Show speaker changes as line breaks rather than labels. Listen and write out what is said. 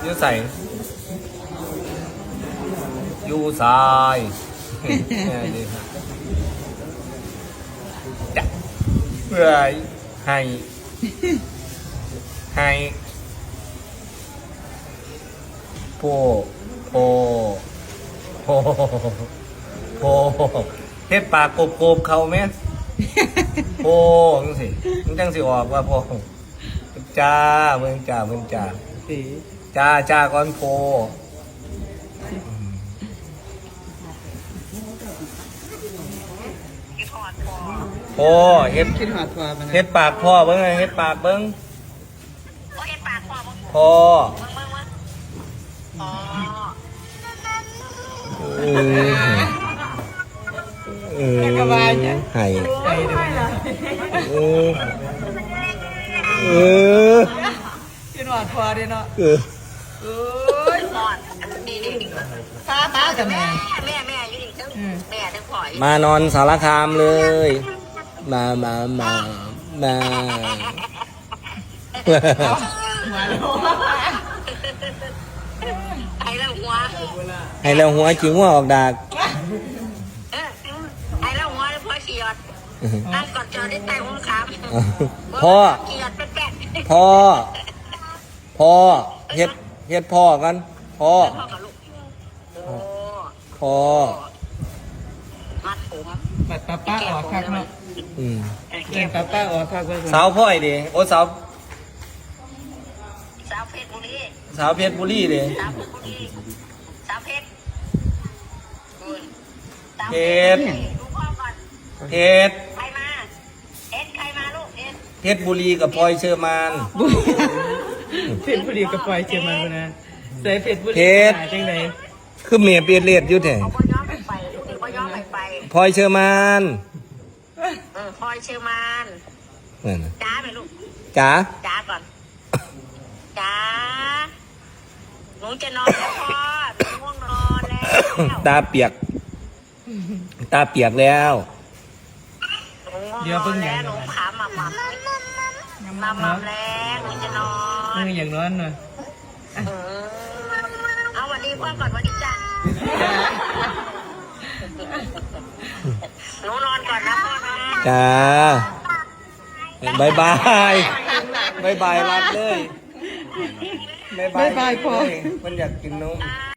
ยูใส่ยูสายจับเพื่อให้โพเฮ็ดปากโกบเขาไหมโพจังสิมันจังสิออกว่าโพจ้าเมืองจ้าจ้าก่อนโพโพเฮ็ด
คิดหอดพอมัน
เฮ็ดปากพ่อเบิ้งเฮ็ดปากเบิ้งพ่อ
กระบาลเนี่ย
ไห้
คิดหอดพอเด้เนาะ
เออ
ป้ากับแม่
อยู่ดิทั้งแม่ทั้งพ่อ
มานอนสารคามเลยมา
มาแล้ว
ไอ้แล้วหัว
ให้เราหัวจิ๋วออกดาก
ไอ้แล้วหัวพ่อเขียดนั่งกอดจอได้แต่หัวขา
พ่อ
เขียดเป็นแปะ
พ่อเฮ็ดพ่อกันพ่อ
พ่อกับลูกโอ้
พ่อ
มัดผม
บัดป้าออกคักเนาะ
เก็บ
ป้าออกคักไว้ก่อน
สาวพ่อยดิโอ้สาว
สาวเพชรบุรี
สาวเพชรบุรีดิ
สาวเพชรบุรีสาวเพชรดูพ่อก่อน
เพชร
ใครมาใครมาลูก
เพชรบุรีกับพลอยเชอร์มาน
เพชรบุรีกับปล่อยเชียงมันนะใส่เพชรบุรีจังไหน
คือเมียเปียเลียดอยู่แท้
เอาพ่อย้อมไปลูกเดี๋ยวพ่อย้อมไป
พลอยเชอร์มาน
พลอยเชอร์มาน
นั่นน่ะ
จ้าไหมลูก
จ๋า
จ้าก่อนจ้าหนูจะนอนแล้วพ่อหนูง่วงนอนแล้ว
ตาเปียกแล้ว
หนูง่วงนอนแล้วหนูขาหมับแล้วหนูจะนอน
มืออย่างนั้นหน่อย
เอาวันดีพ่อก่อนวันดีจ้าหนูนอนก่อนนะพ่อนะ
จ้าบายรัดเลย
บ๊ายบายพ่อ
มันอยากกินนม